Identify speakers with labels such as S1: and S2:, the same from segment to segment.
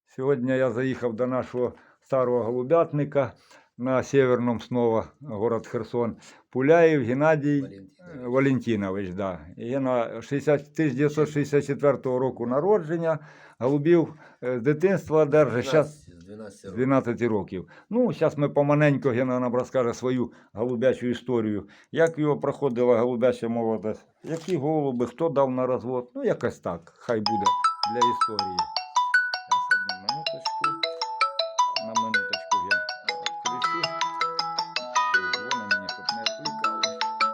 S1: Сьогодні я заїхав до нашого старого голубятника на Северном снова, город Херсон. Пуляєв Геннадій Валентинович. Да. Гена 1964 року народження, голубів з дитинства держить. Зараз 12 років. Ну, зараз ми поманенько, Гена нам розкаже свою голубячу історію. Як його проходила голубяча молодість, які голуби, хто дав на розвод. Ну, якось так, хай буде для історії. На минуточку я відключу. Вони мені щоб не відвлікали.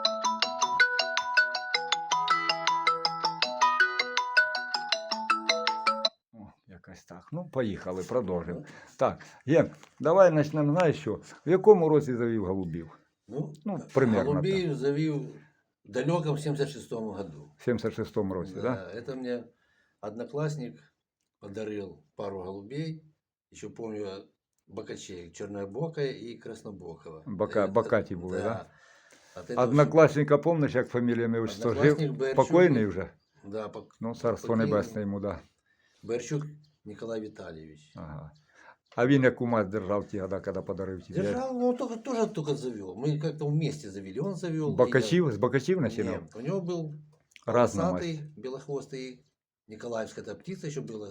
S1: О, якось так. Ну, поїхали, продовжимо. Так, Ген, давай почнемо, знаєш що? В якому році завів голубів?
S2: Ну,
S1: примерно.
S2: голубей завів в далеком 76-му году.
S1: В 76-му році, да?
S2: Да, это мне одноклассник подарил пару голубей. Еще помню бокачей, чернобокая и краснобокого.
S1: Бокаті були, да?
S2: Да?
S1: Однокласника, помниш, як фамілія ім'я, отчество? Жив? Покойний вже?
S2: Да,
S1: Ну, царство небесне йому, да.
S2: Берчук Николай Витальевич.
S1: Ага. А він яку мать держав ті года, коли подарив тебе?
S2: Держал, но тоже только завел. Мы как-то вместе завели. Он завел.
S1: Бокачів? З бокачів починав?
S2: Нет, у него был
S1: Разная
S2: полосатый, белохвостый, Николаевская птица еще была,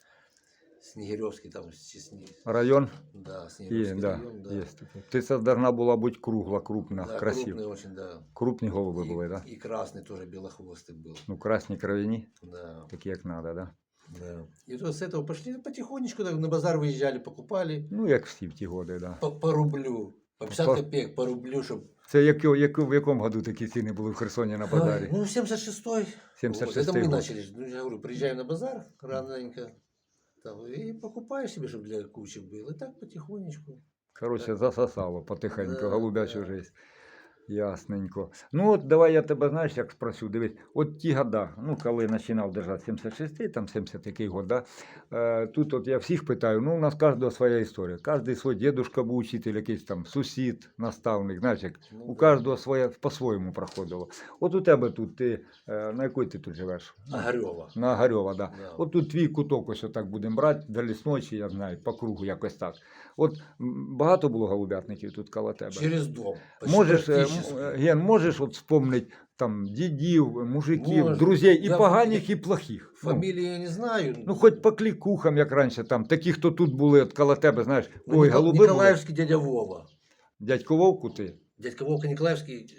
S2: Снегиревский там.
S1: Район?
S2: Да, Снегиревский
S1: Да,
S2: район, да.
S1: есть такие. Птица должна была быть кругла, крупна,
S2: Да,
S1: красива.
S2: крупный очень, да.
S1: Крупні голуби були, да?
S2: И красный тоже белохвостый был.
S1: Ну, красні кровяні,
S2: Да.
S1: такі як надо, да?
S2: Да. И то с этого пошли потихонечку, так, на базар выезжали, покупали
S1: Ну, як всі в ті годи, да.
S2: по рублю, по 50
S1: По-
S2: копеек, по рублю, чтобы...
S1: Це в якому году такі ціни були в Херсоні на базарі?
S2: Ну, 76-й.
S1: 76-й
S2: Вот, это мы
S1: год.
S2: начали. Ну, я говорю, приезжаем на базар раненько, там, и покупаешь себе, чтобы для кучи было. И так потихонечку.
S1: Коротше, засосало потихеньку,
S2: Да,
S1: голубячу
S2: да.
S1: жизнь. Ясненько. Ну, от давай я тебе, знаєш, як спросю, дивись, от ті года, ну, коли починав держати 76-й, там 70 який год, да, тут от я всіх питаю, ну, у нас кожного своя історія. Кожний свій дідушка був учитель, якийсь там сусід, наставник, знаєш, як
S2: Ну,
S1: у
S2: да.
S1: кожного своє по-своєму проходило. От у тебе тут, ти, на якій ти тут живеш?
S2: Огарева.
S1: На Огарева, да.
S2: Да.
S1: От тут твій куток, ось отак будемо брати, до лісночі, я знаю, по кругу якось так. От багато було голубятників тут коло тебе?
S2: Через дом. Почти
S1: Можеш,
S2: практически.
S1: Ген, можеш от вспомнити там дідів, мужиків,
S2: Можу.
S1: друзей, і
S2: Я
S1: поганих, і плохих.
S2: Фамилии я не знаю.
S1: Ну, хоч по клікухам, як раніше, там, такі, хто тут були, от коло тебе, знаєш,
S2: Ну,
S1: ой, голуби були.
S2: Николаевский дядя Вова.
S1: Дядько Вовку ти?
S2: Дядька Вовка Николаевский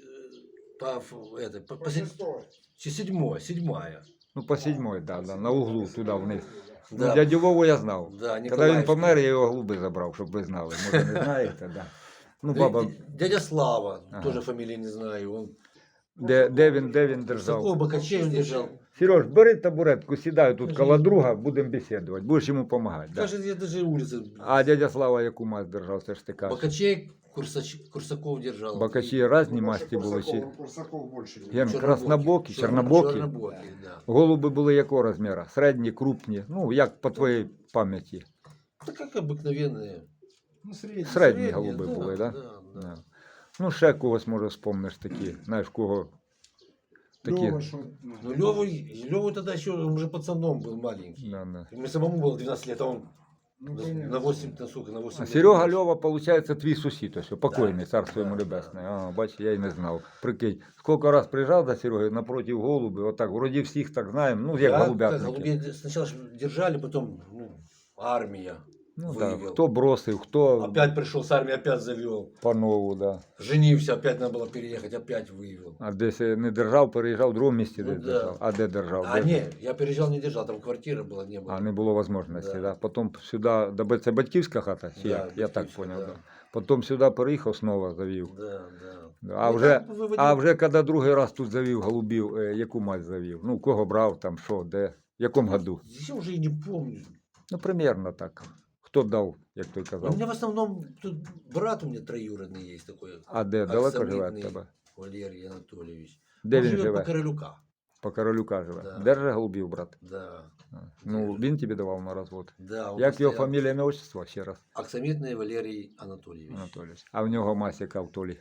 S2: седьмая.
S1: Ну, по седьмой, да, на углу, туди вниз.
S2: Да.
S1: Ну, дядю Вову я знав.
S2: Да,
S1: Коли він
S2: Николаевский.
S1: помер, я його голуби забрав, щоб ви знали. Може, не знаєте, да. Ну, баба,
S2: Дядя Слава,
S1: Ага.
S2: тоже фамилии не знаю. Он
S1: де він держав?
S2: такого бокачей он держал.
S1: Сереж, бери табуретку, сідай тут коло друга, будемо бесідувати, будеш йому допомагати. Да.
S2: Даже я даже улицы.
S1: А дядя Слава яку мать держав, це ж ти кажеш?
S2: Бокачей Курсаков держал.
S1: Бокачі різні масті були. Чи...
S3: Курсаков больше.
S1: Ген,
S2: Чернобокі.
S1: краснобокі, чорнобокі.
S2: Чернобокі, да.
S1: Голуби були якого розміру? Середні, крупні? Ну, як по твоїй пам'яті?
S2: Да как обыкновенные.
S3: Ну, средний.
S1: Середні
S2: Средні,
S1: голуби
S2: да,
S1: були, так?
S2: да, да.
S1: Да? Ну, ще когось, може, вспомниш такі. Знаєш, кого такі.
S3: Лёва, шо,
S2: Ну, Леву тогда еще, он уже пацаном был маленький.
S1: Да, да.
S2: Мне самому было 12 лет, а он
S3: ну,
S2: на
S3: понятно.
S2: 8, на сколько, на 8
S1: А
S2: лет.
S1: Серега Льова, виходить, твій сусід, ось, покойний,
S2: Да,
S1: царство йому
S2: да,
S1: небесне. А, бач, я й не знав. Прикинь, скільки раз приїжджав до Сереги напроти голуби, отак, вроді всіх так знаємо, ну, як
S2: Да,
S1: голубятники.
S2: голубей сначала ж держали, потом армия
S1: Ну, так,
S2: вывел.
S1: хто бросив, хто
S2: Опять пришел с армии, опять завел.
S1: по-нову, да.
S2: Женился, опять надо было переехать, опять вывел.
S1: А десь не держав, переїжджав, в другому місці
S2: Ну,
S1: десь
S2: да.
S1: держав. А де держав?
S2: А
S1: Де?
S2: не, я переезжал, не держал, там квартира была, не было.
S1: А не було можливості,
S2: Да.
S1: да. Потім сюди, це батьківська хата, чи
S2: Да,
S1: як? Я так
S2: батьківська,
S1: зрозумів,
S2: да.
S1: да. Потім сюди переїхав, знову завів.
S2: Да, да.
S1: Да. А
S2: Ну,
S1: вже,
S2: так виводив.
S1: а вже коли другий раз тут завів голубів, яку мать завів? Ну, кого брав, там, що, де, в якому году?
S2: Я уже и не помню.
S1: Ну, примерно так. Хто дав, як той
S2: У
S1: казав.
S2: меня в основном, тут брат у меня троюродный есть такой.
S1: А де, далеко живе від
S2: Оксамитный
S1: тебе?
S2: Валерий Анатольевич.
S1: Де
S2: Он
S1: він
S2: живет
S1: живе?
S2: по Королюка.
S1: По Королюка живе.
S2: Да.
S1: Держи голубів, брат.
S2: Да.
S1: А. Ну, він тобі давав на розвод.
S2: Да, он
S1: Як його
S2: постоянно-
S1: фамілія, ім'я, отчество, ще раз?
S2: Оксамитный Валерий Анатольевич.
S1: Анатолійович. А в нього мась яка в Толі?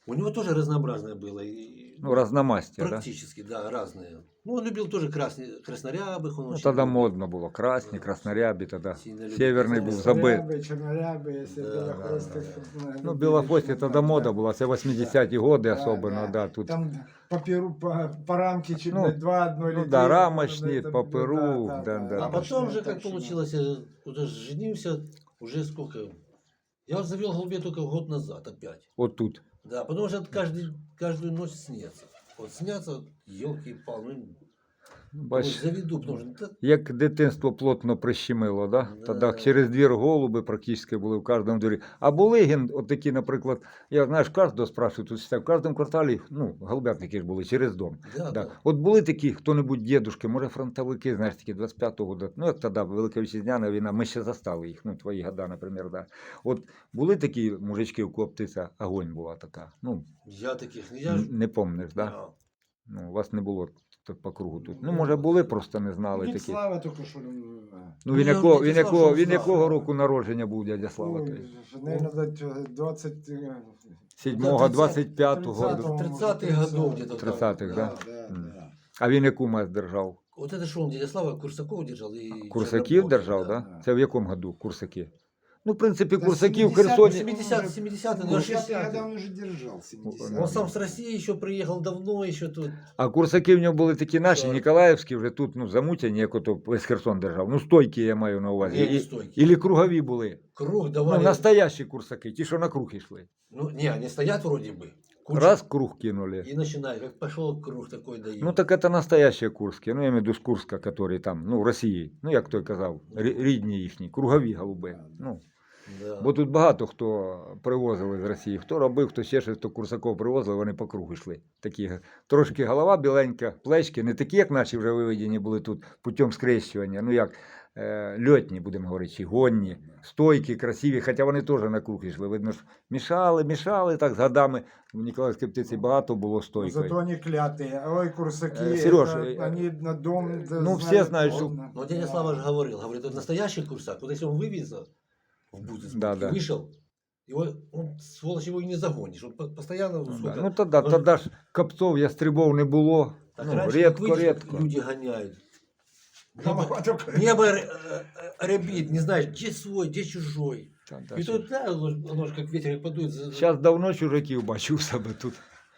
S2: У него тоже разнообразное было. И,
S1: Ну, разномастя, да?
S2: практически, да, разные. Ну, он любил тоже краснорябых. Он
S1: Ну,
S2: очень
S1: тоді
S2: любил.
S1: модно було. Красні,
S2: Да.
S1: краснорябі тоді.
S2: Сильно любит
S1: Северний був
S2: краснорябі.
S1: забит.
S3: Чернорябы, если
S2: Да,
S3: белохвостых.
S1: Ну, білохвості тоді мода була, це 80-ті годи особливо, да, тут.
S3: Там по перу, по рамке чуть
S1: Ну,
S3: два одной
S1: ну
S3: летели,
S1: да,
S3: вот
S1: рамочные,
S3: это,
S1: по перу, да, да.
S2: А
S1: Рамочные,
S2: потом же, как
S3: точно.
S2: получилось, я уже женился, уже сколько... Я вот завел голубей только год назад опять.
S1: Отут.
S2: Да, потому что каждую ночь снятся. Вот снятся, елки-палы, ну,
S1: Бач,
S2: заведу, потому что... да,
S1: як дитинство плотно прищемило, да?
S2: Да.
S1: Тоді через двір голуби практично були в кожному дворі. А були от такі, наприклад, я, знаєш, кожного спрашиваю, тут в кожному кварталі, ну, голубятники ж були через дом.
S2: да,
S1: Да.
S2: да.
S1: От були такі, хто-небудь дідушки, може фронтовики, знаєш, такі 25-го года, ну як тоді, Велика Вітчизняна війна, ми ще застали їх, ну твої года, наприклад, да. От були такі мужички, у кого птиця, огонь була така, ну,
S2: Я таких, я ж...
S1: не помниш, да?
S2: Да.
S1: Ну, у вас не було тут по кругу тут. Ну, може, були, просто не знали
S3: Дядя
S1: такі.
S3: Слава только что.
S1: Ну, він
S2: я
S1: якого,
S2: вже
S1: він
S2: дізнався,
S1: якого,
S2: що
S1: він якого
S2: Слава.
S1: року народження був дядя Слава?
S3: Ой,
S1: той?
S3: наверное, 20...
S1: 7-го, 25-го.
S2: 30-х годов где-то.
S1: 30-х, да?
S3: Да,
S1: М.
S3: да.
S1: А він яку мазь держав?
S2: Вот это что он, дядя Слава, Курсаков держал и...
S1: Курсаків
S2: Чернобокий,
S1: держав, да?
S3: да.
S1: Це в якому году Курсаки? Ну, в принципі,
S3: Да,
S1: Курсаків в
S3: 70-х,
S1: Херсоні.
S2: 70-е, ну,
S3: 60-е
S2: 60-е.
S3: он уже держал, 70-е.
S1: Ну,
S2: Он сам с России еще приехал давно, еще тут.
S1: А Курсаки в нього були такі наші,
S2: Так.
S1: Ніколаївські, вже тут, ну, замутяні, як ото весь Херсон держав. Ну, стойкі я маю на увазі.
S2: Не, не
S1: І-
S2: стойкі.
S1: Ілі кругові були.
S2: Круг
S1: Ну,
S2: давали.
S1: настоящі Курсаки, ті, що на круг йшли.
S2: Ну, не, они стоят вроде бы. куча,
S1: Раз круг кинули.
S2: И начинают, как пошел круг такой дают.
S1: Ну так это настоящие курські, ну я имею в виду з Курська, які там, ну в Росії, ну як той казав, рідні їхні, кругові голуби. Ну,
S2: Да.
S1: бо тут багато хто привозив із Росії, хто робив, хто ще щось, хто Курсаков привозив, вони по кругу йшли. Такі, трошки голова біленька, плечки, не такі, як наші вже виведені були тут путем скрещування, ну як льотні, будемо говорити, чи гонні, стойкі, красиві, хоча вони теж на круг йшли. Видно ж, мішали так з годами. В Ніколаївській птиці багато було
S3: Но
S1: стойкою.
S3: зато они клятые. Ой, курсаки,
S1: Серёж,
S3: они на дом... да,
S1: ну, все знают, что-
S2: Но дядя Слава же говорил, вот настоящий курсак, вот если он вывезет в Бутовск,
S1: Да, да.
S2: вышел, его, он, сволочь, его и не загонишь. Он постоянно...
S1: Ну,
S2: сколько-
S1: да. Ну тоді ж копцов, ястребов не було.
S2: Так
S1: Ну,
S2: раньше как выйдешь,
S1: рідко.
S2: люди гоняют.
S3: Голова только-
S2: Небо рябит, не знаешь, где свой, где чужой. И тут, да, оно же как ветер как подует.
S1: Зараз давно чужаків бачу в себе тут.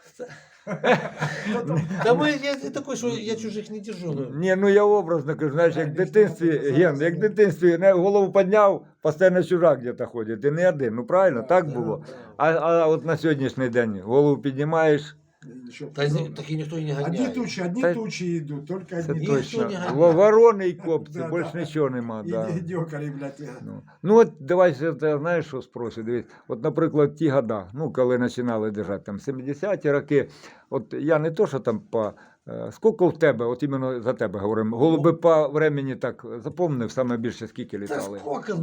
S2: Да я такой, что я чужих не держу. ну.
S1: Ні, ну я образно кажу, знаєш, як в дитинстві, Ген, як в дитинстві не, голову підняв, постійно чужак где-то ходить. І не один, ну правильно, так
S3: Да,
S1: було.
S3: да.
S1: А от на сьогоднішній день голову піднімаєш,
S3: Ничего
S2: Да,
S3: подобного.
S2: так и никто и не
S3: Одни
S2: гоняет.
S3: тучи, одни
S1: Та-
S3: тучи идут, только
S1: це
S3: одни
S2: Ніхто
S1: точно.
S2: не ганяє.
S1: Ворони і копці,
S3: Да,
S1: більше
S3: да.
S1: нічого нема. Да.
S3: И дёкари, блядь.
S1: Ну от давай ще ти знаєш, що спрошу. Дивись, от, наприклад, ті года, ну коли починали держати там 70-ті роки, от я не то, що там по. Скільки в тебе, от іменно за тебе говоримо, голуби по времени так запомнив, саме більше скільки
S2: Да
S1: літали?
S2: сколько,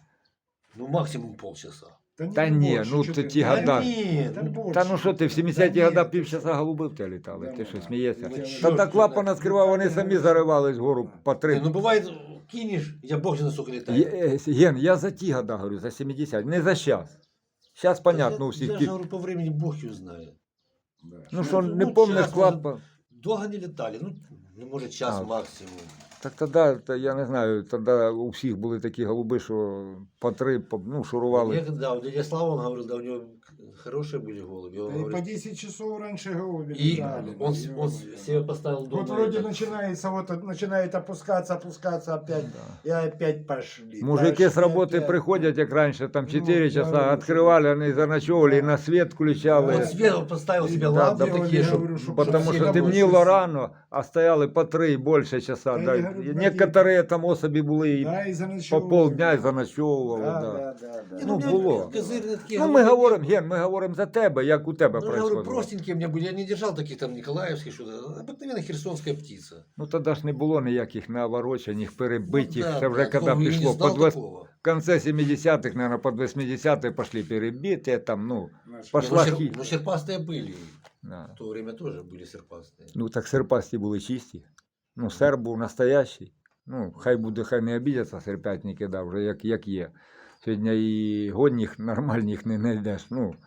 S2: ну максимум полчаса.
S1: Та ні,
S3: больше,
S1: ну,
S3: чё
S1: то
S3: ты,
S1: ті
S3: да
S1: года.
S2: нет,
S3: Та
S2: ну,
S3: больше.
S1: Та ну що ти, в 70-ті
S3: Та
S1: года
S3: ні,
S1: півчаса голуби в тебе літали,
S3: Да,
S1: ти що
S3: да.
S1: смієшся?
S2: Ну,
S1: Та
S2: чорт,
S1: так клапана скривав, вони самі заривались вгору по три.
S2: ну бывает, кинешь, я бог знает, сколько летает.
S1: Ген, я за ті года говорю, за 70, не за щас. Щас, понятно, у
S2: я,
S1: всіх
S2: я же
S1: під...
S2: говорю, по времени бог его знает.
S1: Ну що,
S2: ну,
S1: не
S2: ну,
S1: помниш
S2: щас,
S1: клапан?
S2: Долго не летали, ну может час
S1: А.
S2: максимум.
S1: Так тоді, я не знаю, тоді у всіх були такі голуби, що по три, ну, шурували.
S2: Некогда, у дядя Слава, он говорил, да, у него хорошие были голуби. Он
S3: Да и
S2: говорит,
S3: по 10 часов раньше голуби
S2: и
S3: летали.
S2: он,
S3: да,
S2: он
S3: ё-моё.
S2: себе поставил дома.
S3: Вот вроде
S2: этот-
S3: начинается, вот начинает опускаться опять. И опять пошли.
S1: Мужики
S3: пошли
S1: з роботи
S3: опять.
S1: приходять, як раніше, там
S3: Ну,
S1: 4 часа,
S3: да,
S1: відкривали, вони заночовували, і на світ включали.
S2: Он себе поставил себе
S3: Да,
S2: лампы
S3: делали,
S2: такие,
S3: я
S2: чтобы
S3: говорю, чтоб
S1: Потому
S3: всі
S1: що
S3: робочі
S1: темніло
S3: всі.
S1: рано, а стояли по 3 і більше часа.
S3: Та
S1: Да.
S3: я говорю,
S1: Некоторі там особи були і
S3: Да, и
S1: по
S3: заночевывали.
S1: полдня і заночовували.
S3: Да,
S1: Да.
S3: да, да, да.
S2: Не,
S1: Ну,
S2: у меня
S1: было.
S2: козырные такие
S1: Ну, ми
S2: голуби
S1: говоримо,
S2: не
S1: Ген, ми говоримо за тебе, як у тебе
S2: Ну, я говорю,
S1: происходило.
S2: простенькие у меня были, я не держал таких там Николаевских, что-то, обыкновенная херсонская птица.
S1: Ну тоді ж не було ніяких наворочених, перебитих.
S2: Ну, да,
S1: Це вже
S2: да,
S1: коли
S2: я не
S1: пішло
S2: знал
S1: под
S2: такого.
S1: в конце 70-х, наверное, под 80-х пошли перебиті, там, ну,
S3: Наш-
S1: пошла
S2: Ну,
S1: хи.
S2: ну, серпастые были.
S1: Да.
S2: В то время тоже были серпастые.
S1: Ну так серпасті були чисті. Ну, серб був настоящий. Ну, хай буде, хай не обідяться серпятники, да, вже як є. Сьогодні і годніх, нормальних не знайдеш. Ну,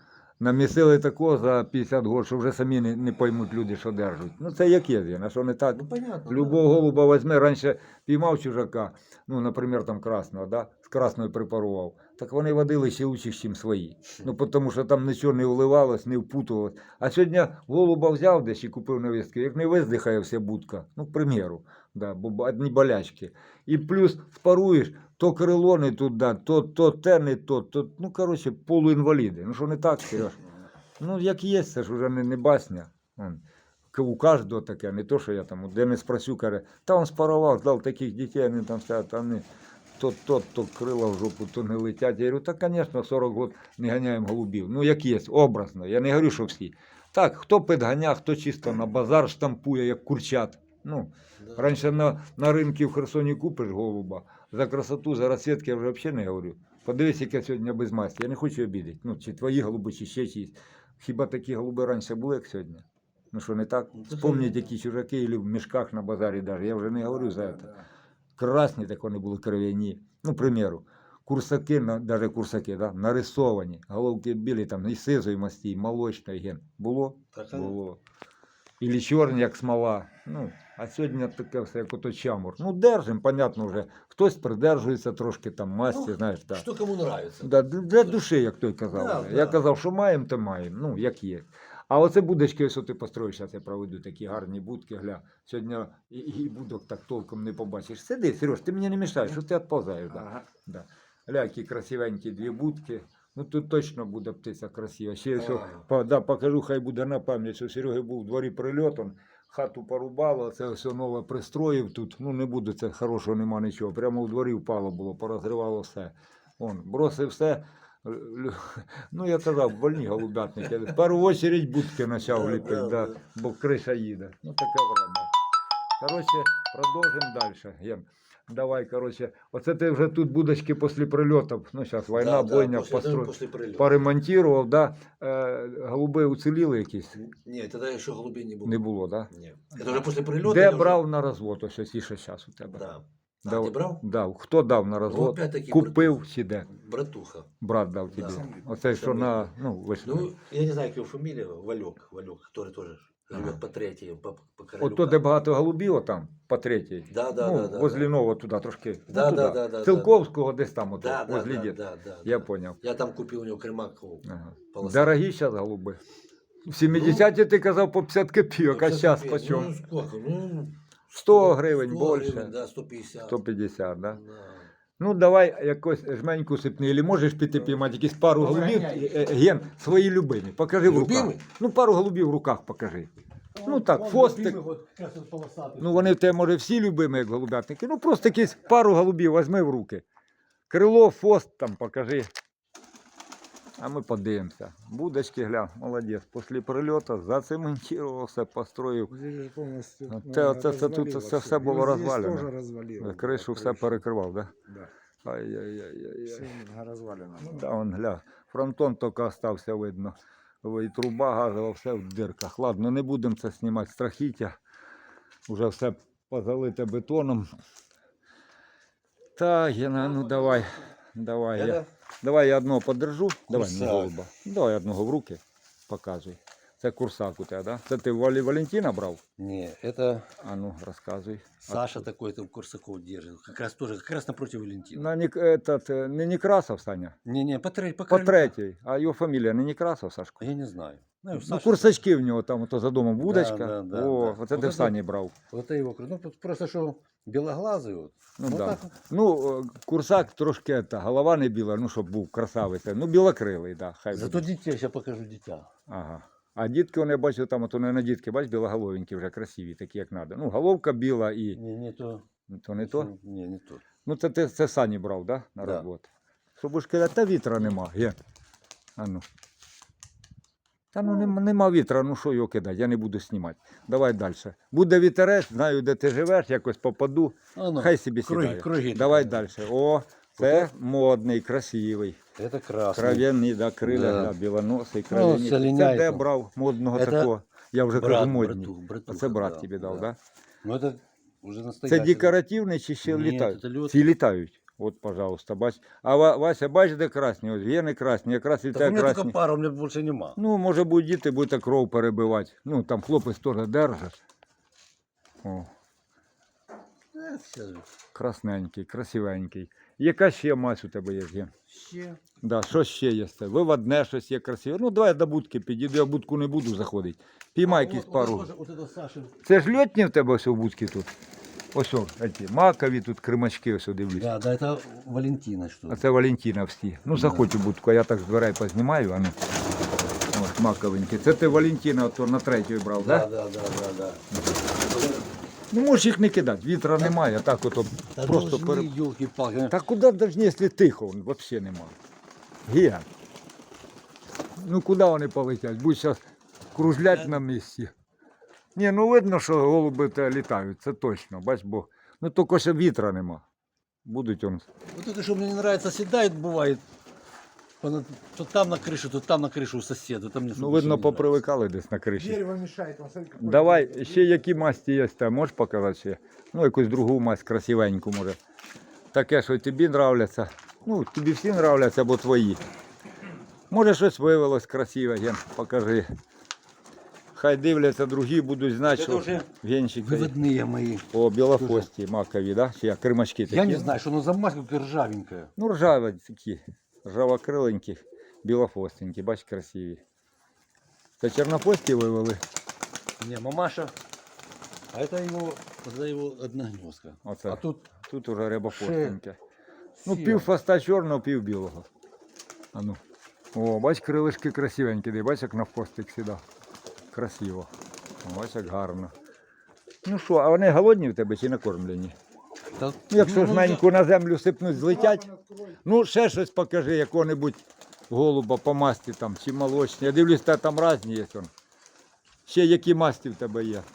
S1: Намісили такого за 50 год, що вже самі не поймуть люди, що держать. Ну це як є, а що не так?
S2: Ну, понятно.
S1: Любого голуба візьме, раніше піймав чужака, ну, наприклад, там красного, да? З красною припарував. Так вони водили ще лучше, ніж свої. Ну, тому що там нічого не вливалось, не впутувалось. А сьогодні голуба взяв десь і купив на вістки, як не виздихає вся будка, ну, к примеру, да, бо одні болячки. І плюс спаруєш, то крило не туди, то те не то, ну, коротше, полуінваліди. Ну, що не так, Сереж? Ну, як є, це ж вже не басня. У кожного таке, не то, що я там, де не спросю, каже, та він спарував, дав таких дітей, вони там стоять, там не, то крила в жопу, то не летять. Я говорю, та, звісно, 40 років не ганяємо голубів. Ну, як є, образно, я не говорю, що всі. Так, хто підганяє, хто чисто на базар штампує, як курчат. Ну,
S2: Да.
S1: раніше на ринку в Херсоні купиш голуба, за красоту, за розсвітки я вже взагалі не говорю. Подивись, яке сьогодні без масті, я не хочу обідати. Ну, чи твої голуби, чи ще чиїсь. Хіба такі голуби раніше були, як сьогодні? Ну що, не так?
S2: Ну, це
S1: Вспомніть,
S2: ж-
S1: які чужаки, і в мішках на базарі навіть. Я вже не говорю за це.
S3: Да.
S1: Красні так вони були кров'яні. Ну, примеру, курсаки, навіть курсаки, да, нарисовані, головки білі, там, і сизої масті, і молочної ген. Було?
S2: Так, а?
S1: Було. Ілі чорні, як смола. Ну, а сьогодні таке все, як ото чамур. Ну, держим, понятно вже. Хтось придержується трошки там масті,
S2: Ну,
S1: знаєш, так.
S2: Что кому нравится.
S1: Да, для душі, як той казав.
S2: Да,
S1: вже. Я
S2: да.
S1: казав, що маємо, то маємо. Ну, як є. А оце будочки, ось ти построїш, зараз я проведу такі гарні будки, гля. Сьогодні і будок так толком не побачиш. Сиди, Сереж, ти мені не мішаєш, що ти відповзаєш. Да.
S3: Ага.
S1: Да. Гля, які красивенькі дві будки. Ну тут точно буде птиця красива. Ще що, покажу, хай буде на пам'ять, що Сереги був у дворі прильот, он хату порубало, це все нове пристроїв тут. Ну не буде, це хорошого нема нічого. Прямо у дворі впало було, порозривало все. Он, бросив все. Ну, я казав, больні голубятники. В першу чергу будки почав ліпити, да, бо криша їде. Ну, таке время. Коротше, продовжимо далі. Ген. Давай, коротше, оце ти вже тут будочки після прильотів, ну, зараз війна, бойня,
S2: после прилета.
S1: поремонтував, да? Голуби уціліли якісь?
S2: Нет, тогда еще голубей не было.
S1: Не було, да?
S2: Нет. Это уже после прилета.
S1: Де
S2: я уже-
S1: брав на розвод, ось ось ще зараз у тебе?
S2: Да. А,
S1: Дав-
S2: ты брал?
S1: Дав. Хто дав на
S2: Ну,
S1: розвод?
S2: опять-таки
S1: Купив чи де?
S2: Братуха.
S1: Брат дав
S2: Да.
S1: тобі.
S2: Сам
S1: Оце що
S2: сам
S1: на, ну, вийшло.
S2: Ну, я не знаю, как его фамилия, Валек, который тоже живет по третьей, по королю.
S1: От то, де багато голубів, отам, по третій.
S2: Да, да,
S1: Ну,
S2: да, да,
S1: возле
S2: да.
S1: Нового туди трошки.
S2: Да,
S1: ну,
S2: да,
S1: туди.
S2: да, да,
S1: Цилковського десь там, ото,
S2: Да, да,
S1: возле
S2: да,
S1: дід.
S2: да, да,
S1: Я
S2: да.
S1: поняв.
S2: Я там купил у него кремакову.
S1: Ага.
S2: полосатую.
S1: Дорогі зараз голуби. В 70-ті ти казав по 50 копійок, а
S2: 50
S1: зараз
S2: копеек.
S1: по чому?
S2: Ну, сколько? Ну,
S1: 100 гривень
S2: 100
S1: більше.
S2: гривен, да, 150.
S1: 150, да?
S2: Да.
S1: Ну, давай якось жменьку сипни, или можеш піти піймати якісь пару голубів, Ген, свої любимі, покажи в руках.
S2: Любимі?
S1: Ну, пару голубів в руках покажи. Ну, так, фостик. Ну, вони в тебе, може, всі любимі, як голубятники. Ну, просто якісь пару голубів візьми в руки. Крило, фост там покажи. А ми подивимося. Будочки, гля, молодець. Після прильоту зацементував все, построїв. Це тут це все було розвалено. Кришу все перекривав, так?
S3: Да.
S1: Да? Ай-яй-яй-яй.
S3: Все розвалено.
S1: Ну, да, он, гля, фронтон тільки остався, видно. І труба газова, все в дирках. Ладно, не будемо це знімати, страхіття. Уже все позалите бетоном. Так, Гена, ну давай. Давай я одного подержу. Давай мені
S2: Курсак.
S1: голуба. Давай одного в руки. Показуй. Це курсак у тебе, да? Це ти Валентина брав?
S2: Не, это
S1: А ну, розказуй.
S2: Саша такой там Курсаков держит. Как раз напротив Валентина.
S1: На, не Некрасов, Саня.
S2: Не, по
S1: По
S2: королю.
S1: третій. А його фамілія не Некрасов, Сашко?
S2: Я не знаю.
S1: Ну,
S2: Саша-
S1: курсачки в нього там ото за домом вудочка.
S2: да,
S1: О,
S2: да.
S1: оце ти
S2: Вот
S1: в Сані брав.
S2: Вот это его. Ну, просто что белоглазый вот.
S1: Ну,
S2: Вот
S1: да.
S2: так вот.
S1: Ну, курсак трошки, голова не біла, ну, щоб був красавець. Ну, білокрилий, да, хай
S2: Зато
S1: буде.
S2: дитя, сейчас покажу дитя.
S1: Ага. А дітки, вони, бачу, там, ото не на дітки, бач, білоголовенькі вже красиві, такі, як треба. Ну, головка біла і...
S2: Не то.
S1: То не то?
S2: Не, не то.
S1: Ну, це Сані брав, да, на
S2: Да.
S1: роботу? Що будеш казати, та вітра нема, є. А ну. Та ну нема вітра, ну що його кидати, я не буду знімати. Давай далі. Буде вітерець, знаю, де ти живеш, якось попаду,
S2: А, ну,
S1: хай собі
S2: круги,
S1: сідає.
S2: круги.
S1: Давай далі. О, це модний, красивий.
S2: Это красный.
S1: Кров'яний, да, криля,
S2: Да.
S1: да, білоносий,
S2: Ну,
S1: кров'яний.
S2: це
S1: Це
S2: ліняйка.
S1: де брав модного
S2: Це
S1: такого? Я вже кажу модний.
S2: братуха,
S1: Оце брат
S2: да,
S1: тобі дав,
S2: да.
S1: да?
S2: Ну это уже
S1: Це
S2: настоящий.
S1: декоративний чи ще
S2: Ні,
S1: літають?
S2: це льот.
S1: Ці літають. От, пожалуйста, бач. А Вася, бач, де красні? Ось гени красні, якраз і
S2: Так у
S1: те
S2: меня только
S1: красні.
S2: пара, у меня больше нема.
S1: Ну, може будуть діти, будете кров перебивати. Ну, там хлопець теж держить. О,
S2: Сейчас же.
S1: красненький, красивенький. Яка ще мазь у тебе є, Ген?
S2: Ще.
S1: Да, що ще є? Виводне щось є красиве. Ну, давай я до будки підійду, я в будку не буду заходити. Піймай якісь пару.
S2: Вот это Саша.
S1: Це ж льотні в тебе ось у будці тут? Ось о, ці макові тут кримачки, ось дивлюсь.
S2: Да, да, это Валентина что
S1: А це Валентина всі. Ну, заходь у будку, а я так з дверей познімаю, а ну. Ось маковенькі. Це ти Валентина ото на третю брав,
S2: Да,
S1: так?
S2: да, да, да, да.
S1: Ну, можеш їх не кидати, вітра немає, так ото
S2: Да
S1: просто
S2: должны, елки-палки.
S1: Та куди должні, якщо тихо, взагалі немає. Ген. Ну куди вони полетять? Будуть зараз кружлять на місці. Ні, ну видно, що голуби те літають, це точно, бач, бо ну тільки ще вітра нема. Будуть он.
S2: Вот это, что мне не нравится, седает, бывает. То там на крышу, то там на крышу у соседа. Там мне
S1: Ну видно, попривикали десь на криші.
S3: Дерево мешает. Он, смотри, какой
S1: Давай, ще які масті є, там можеш показати ще? Ну, якусь другу масть красивеньку, може. Таке, що тобі нравляться. Ну, тобі всі нравляться, або твої. Може, щось виявилось красиве, Ген, покажи. Хай дивляться, другі будуть знати,
S2: Це
S1: що
S2: вже
S1: венчик.
S2: выводные мои.
S1: О, білохвості, макові, да? Чи як, кримачки такі?
S2: Я не знаю, что оно за мазь, как ржавенькая.
S1: Ну, ржаві такі, ржавокриленькі, білохвостенькі, бач, красиві. Це чорнофості вивели?
S2: Не, мамаша. А это его одна гнездка.
S1: Оце.
S2: А тут
S1: Тут уже рябохвостеньке. Ну,
S2: сіра.
S1: пів хвоста чорного, пів білого. А ну. О, бач, крилишки красивенькі, де, бач, як на хвостик сідав. Красиво. О, бач, як гарно. Ну що, а вони голодні в тебе чи накормлені?
S2: Да,
S1: Ну, якщо
S2: ну,
S1: жменьку на землю сипнуть, злетять.
S3: клапан открой.
S1: Ну, ще щось покажи, якого-небудь голуба по масті там, чи молочні. Я дивлюсь, та там різні є. Он. Ще які масті в тебе є.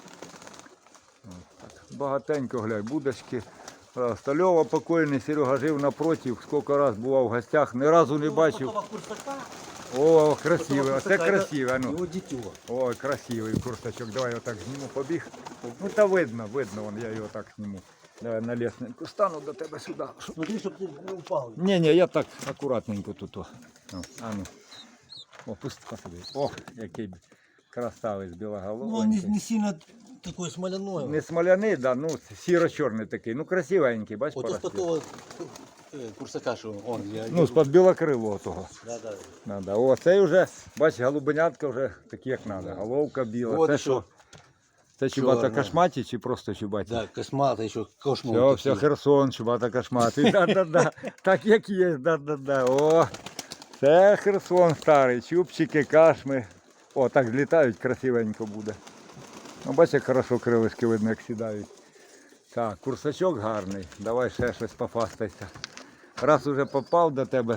S1: От так. Багатенько, глянь, будочки. Стальова покойний, Серега жив напротив, скільки раз бував в гостях, ні разу не бачив.
S2: Потом курсака,
S1: О, красивий,
S2: потом
S1: оце
S2: курсака,
S1: красиве. Ну.
S2: Его дитё.
S1: Ой, красивий курсачок. Давай я так зніму, побіг. Ну та видно, вон, я його так зніму. Давай на лесненьку стану до тебе сюди.
S2: Смотри, чтобы ты не упал.
S1: Ні, я так акуратненько тут. О, а ну. О, пусти, посади. О, який красавець
S2: Ну, он
S1: білоголовий.
S2: не сильно такой смоляной.
S1: Не смоляний, да, ну сіро-чорний такий, ну красивенький, бач,
S2: Вот из
S1: поросте.
S2: того курсака, что он.
S1: Ну, з-під білокрилого того.
S2: Да, да.
S1: Надо. О, цей вже, бач, голубенятка вже такі, як треба. Головка біла.
S2: Вот
S1: Це
S2: еще.
S1: що? Це чубата
S2: Чорна.
S1: кашматі чи просто чубаті?
S2: Да, космата еще, кошмар.
S1: Все, Херсон, чубата кашматий. Да-да-да. Так як є, да-да-да. О, це Херсон старий. Чубчики, кашми. О, так злітають, красивенько буде. Ну, бачиш, як хорошо крилишки видно, як сідають. Так, курсачок гарний. Давай ще щось пофастайся. Раз уже попав до тебе.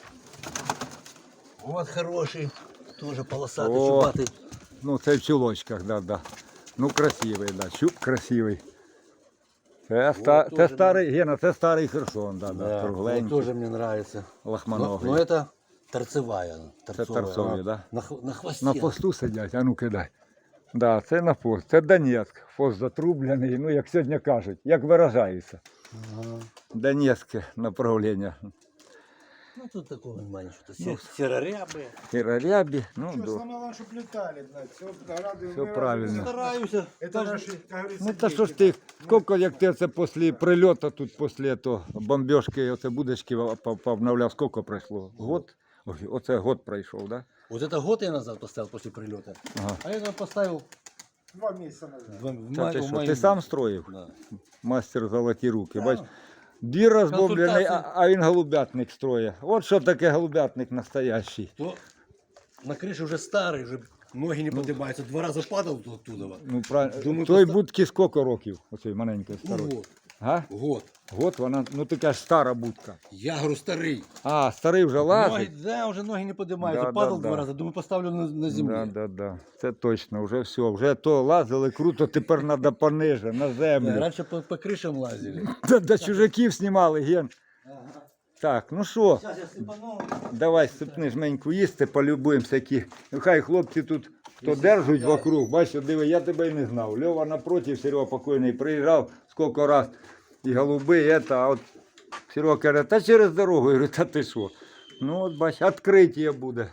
S2: Вот хороший, тоже полосатый,
S1: О.
S2: чубатый.
S1: Ну, це в чулочках, да. Ну, красивий, да. Чуб красивий. Це,
S2: Вот
S1: це
S2: тоже
S1: старий, Гена, це старий Херсон, да,
S2: Да, вот
S1: кругленький,
S2: тоже мне нравится.
S1: лохманогий.
S2: Но это торцевая. Торцовая.
S1: торцовая,
S2: Она
S1: да?
S2: На хвосте.
S1: На посту сидять, а ну кидай. Да, це на пост. Це Донецьк. Пост затрублений, ну як сьогодні кажуть, як виражаються.
S2: Ага.
S1: Донецьке направлення.
S2: Ну тут такого нема ничего. Серорябые.
S1: Кірарябі, ну,
S3: Что,
S1: до.
S3: сломала, чтоб летали, знать. Все, рады,
S1: Всё
S3: мы рады.
S1: правильно.
S2: Стараюсь.
S3: Это наши, как говорится,
S1: Ну та що ж
S3: дети.
S1: ти, скільки як ти це після прильоту тут, після того бомбіжки, оце будочки повновляв, скільки пройшло? Год? Ой, оце год пройшов, да?
S2: Вот это год я назад поставил после прилета.
S1: Ага.
S2: А это поставил
S3: 2 месяца назад.
S1: Та ти
S2: в
S1: що,
S2: мае.
S1: ти сам строїв?
S2: Да.
S1: Мастер золоті руки.
S2: Да.
S1: Бач, двір розбомблений,
S2: Консультації.
S1: а він голубятник строїть. От що таке голубятник настоящий.
S2: То на крыше уже старый, уже ноги не поднимаются. 2 раза падал оттуда.
S1: Ну, правильно.
S2: Думаю,
S1: Той
S2: поста-
S1: будки скільки років? Оцей маленький
S2: Ну
S1: старий.
S2: вот,
S1: Га?
S2: год.
S1: Год вона, ну така ж стара будка.
S2: Я говорю, старый.
S1: А, старий вже
S2: Ноги,
S1: лазить.
S2: да, уже ноги не поднимаются.
S1: Да,
S2: Падал
S1: да,
S2: 2
S1: да.
S2: раза. Думаю, поставлю на земле.
S1: Да. Це точно, вже все. Вже то лазили круто, тепер треба пониже, на
S2: Да,
S1: землю.
S2: раньше по крышам лазили.
S1: До чужаків знімали, Ген. Так, ну що,
S2: Сейчас я сыпану.
S1: давай сипни жменьку їсти, полюбуємося, які. Ну хай хлопці тут хто держуть вокруг, бачиш, диви, я тебе й не знав. Льова напротив, Серега покойний, приїжджав скільки раз. І голуби, і це, а от Серега каже, та через дорогу. Я говорю, та ти що? Ну, от бач, відкриття буде.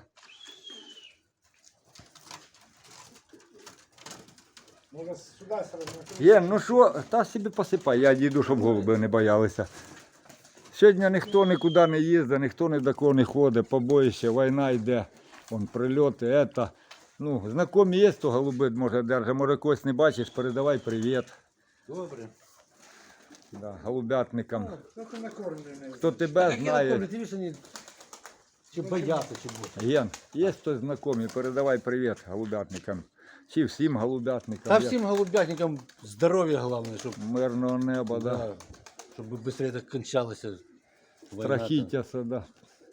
S3: Може сюди сразу.
S1: Є, ну що, та собі посипай, я дійду, щоб голуби не боялися. Сьогодні ніхто нікуди не їздить, ніхто ні до кого не ходить, побоїще, війна йде, вон прильоти, ета. Ну, знайомі є, то голуби, може, держать, може когось не бачиш, передавай привіт.
S2: Добре.
S1: Да, голубятникам.
S3: Хто ти накормлений?
S1: Хто тебе знає.
S2: Ти бачиш, вони чи бояться, чи бути.
S1: Ген, є хтось знайомий, передавай привіт голубятникам. Чи всім голубятникам.
S2: Та всім голубятникам здоров'я головне, щоб,
S1: Мирного неба, да.
S2: да, щоб швидше так кончалося. війна там.
S1: Страхіття, да.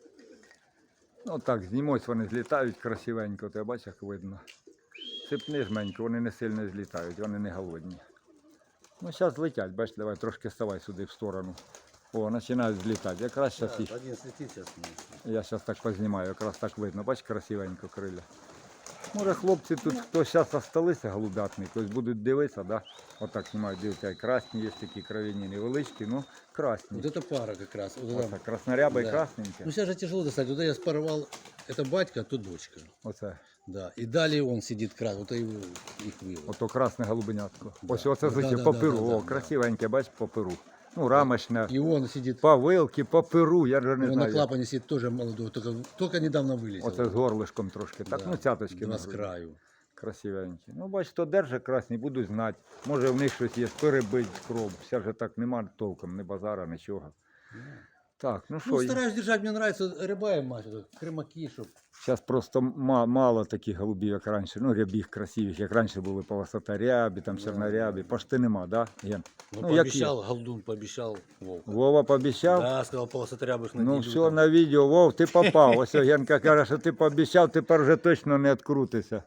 S1: Ну так, знімось, вони злітають красивенько, ти бачиш, як видно. Сипни жменько, вони не сильно злітають, вони не голодні. Ну, зараз летять, бачиш, давай трошки ставай сюди в сторону. О, починають злітати. Якраз зараз їх.
S2: Да, один слетить зараз.
S1: Я зараз так познімаю, якраз так видно. Бачиш, красивенько крилля. Може, хлопці тут, хто зараз осталися голубятники, ось будуть дивитися, да? Отак знімають, дивіться, красні є такі кров'яні невеличкі, ну красні.
S2: Вот это пара как раз. Вот это.
S1: Оце, красноряба і
S2: Да.
S1: красненьке.
S2: Ну сейчас же тяжело достать. Вот я спаровал, это батька, а то дочка.
S1: Оце.
S2: Да. И далее он сидит крас. Вот я его, их вывел.
S1: Ото красне голубенятко.
S2: Да.
S1: Ось оце
S2: Да,
S1: звичайно,
S2: да,
S1: по
S2: да,
S1: перу.
S2: да,
S1: О,
S2: да.
S1: красивеньке, бач, по перу. Ну, рамочне,
S2: И он сидит,
S1: по вилки, по перу, я вже не
S2: он на
S1: знаю.
S2: клапане сидит тоже молодой, только недавно вылетел.
S1: Оце з горлишком трошки. Так,
S2: Да.
S1: ну цяточки.
S2: Два
S1: на
S2: с
S1: груди.
S2: краю.
S1: Красивенькі. Ну, бач, хто держить красні, будуть знати. Може в них щось є, перебить кров. Все вже так нема толком, ні базара, нічого. Так, ну
S2: Ну,
S1: що,
S2: стараюсь держать, мне нравится рыба мать, крымаки, чтоб.
S1: зараз просто мало таких голубів, як раніше. Ну, рябіх красивих, як раніше були полосаторябі, там чорнорябі. Пошти нема, да, Ген?
S2: Ну,
S1: Ну, як
S2: пообещал, Голдун пообещал Вовка.
S1: Вова пообіцяв?
S2: Да, сказал, полосотрябых
S1: Ну, все на відео, Вов, ти попав. Ось Генка каже, що ти пообіцяв, тепер вже точно не відкрутися.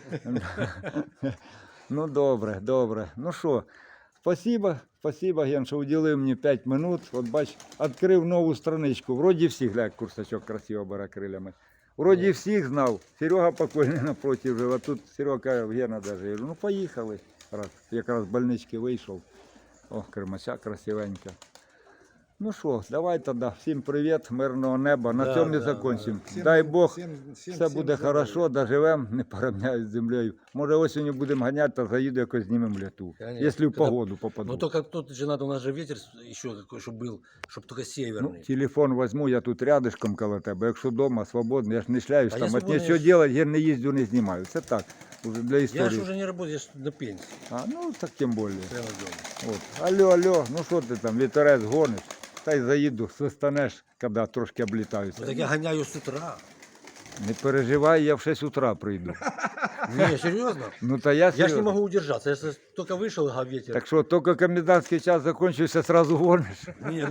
S1: Ну, добре, добре. Ну що, спасибо, Ген, що уділив мені 5 минут. От бач, відкрив нову страничку. Вроді всіх, глянь, як курсачок красиво бере крилями. Вроді всіх знав. Серега покойний напротив жив, а тут Серега каже, Гена даже. Я говорю, ну поїхали. Раз, якраз з больнички вийшов. О, кримача красивенька. Ну що, давай тоді. Всім привіт, мирного неба. На
S2: Да,
S1: цьому і
S2: да,
S1: закінчимо.
S3: Всім-
S1: Дай Бог,
S3: всім
S1: все буде хорошо, доживемо, не порівняють з землею. Може осінню будемо ганяти, та заїду якось знімемо літу.
S2: Конечно.
S1: Якщо в
S2: Когда-
S1: погоду попаду.
S2: Ну только тут же надо, у нас же ветер еще какой, чтобы был, чтобы только
S1: Ну,
S2: северный.
S1: телефон возьму, я тут рядышком коло тебе. Якщо вдома, свободно, я ж не шляюсь,
S2: А
S1: там
S2: я
S1: от
S2: свободно,
S1: нічого
S2: я ж-
S1: делать, я не їздю, не знімаю. Це так, уже для
S2: Я
S1: історії.
S2: же уже не работаю, я же на пенсии.
S1: А, ну так тим більше.
S2: Прямо дома.
S1: От. Алло, ну що ти там, вітерець гониш? Та й заїду, свистанеш, коли трошки облітаюся.
S2: Ну, так я гоняю с утра.
S1: Не переживай, я в 6 утра прийду.
S2: Не, серьезно?
S1: Ну та я
S2: Я ж не
S1: серйозно.
S2: могу удержаться. Я же только вышел, ага, ветер.
S1: Так що, тільки комендантський час закінчився, сразу гониш.
S2: Нет,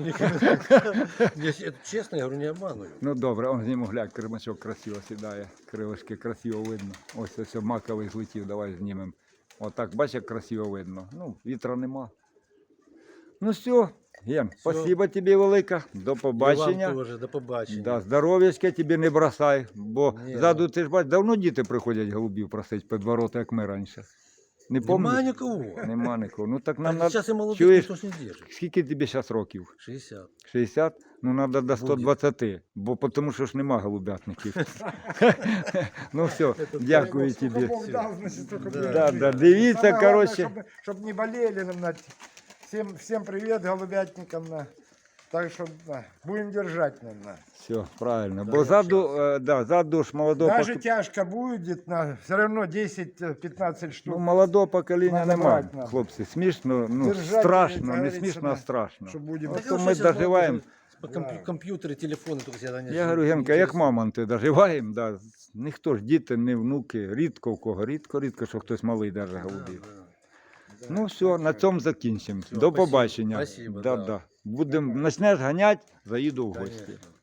S2: это честно, я говорю, не обманываю.
S1: Ну добре, он зніму, глянь, кримачок красиво сідає, крилишки красиво видно. Ось маковий злетів, давай знімемо. Отак, бачиш, як красиво видно. Ну, вітра нема. Ну все, Ген, спасибо тобі велике, до
S2: И
S1: побачення.
S2: вам тоже, до побачення.
S1: Да, здоров'ячка тобі не бросай, бо
S2: Ні.
S1: ззаду ти ж бачиш, давно діти приходять голубів просить під ворота, як ми раніше. Не
S2: Нема
S1: пам'ятаєш?
S2: никого.
S1: Нема нікого. Ну так
S2: А
S1: нам надо...
S2: сейчас и молодых
S1: Чуєш?
S2: никто ж не держит.
S1: Скільки тобі зараз років?
S2: 60.
S1: 60? Ну, треба до 120, бо тому що ж нема голубятників. Ну все, дякую тобі.
S3: Бог дал, значит, только
S2: Да.
S3: будет.
S1: Да, да, дивіться,
S3: Самое главное,
S1: короче.
S3: Чтобы не болели нам. Всем привет голубятникам. Так что будем держать.
S1: Все, правильно.
S2: Да,
S1: Бо
S2: я
S1: ззаду ж молодого
S3: Даже
S1: покоління.
S3: тяжко будет, все равно 10-15 штук.
S1: Ну, молодого покоління
S3: Надо
S1: нема,
S3: брать надо.
S1: хлопці. Смішно, ну,
S3: Держать,
S1: страшно,
S3: як
S1: не
S3: говориться,
S1: смішно, а
S3: да.
S1: страшно.
S3: Что будем.
S1: Вот
S2: Так
S1: то
S2: я
S1: ми
S2: щас
S1: доживаємо.
S2: По
S3: Да.
S2: компьютеры, телефоны только всегда не
S1: Я говорю, Генка, як мамонти доживаємо, да. Ніхто ж діти, не внуки, рідко в кого, рідко, що хтось малий держить голубів. Ну все, на цьому закінчимо.
S2: Всё,
S1: До
S2: спасибо.
S1: побачення.
S2: Спасибо,
S1: Да,
S2: да.
S1: да. Будемо, почнеш ганяти, заїду в гості.
S2: Конечно.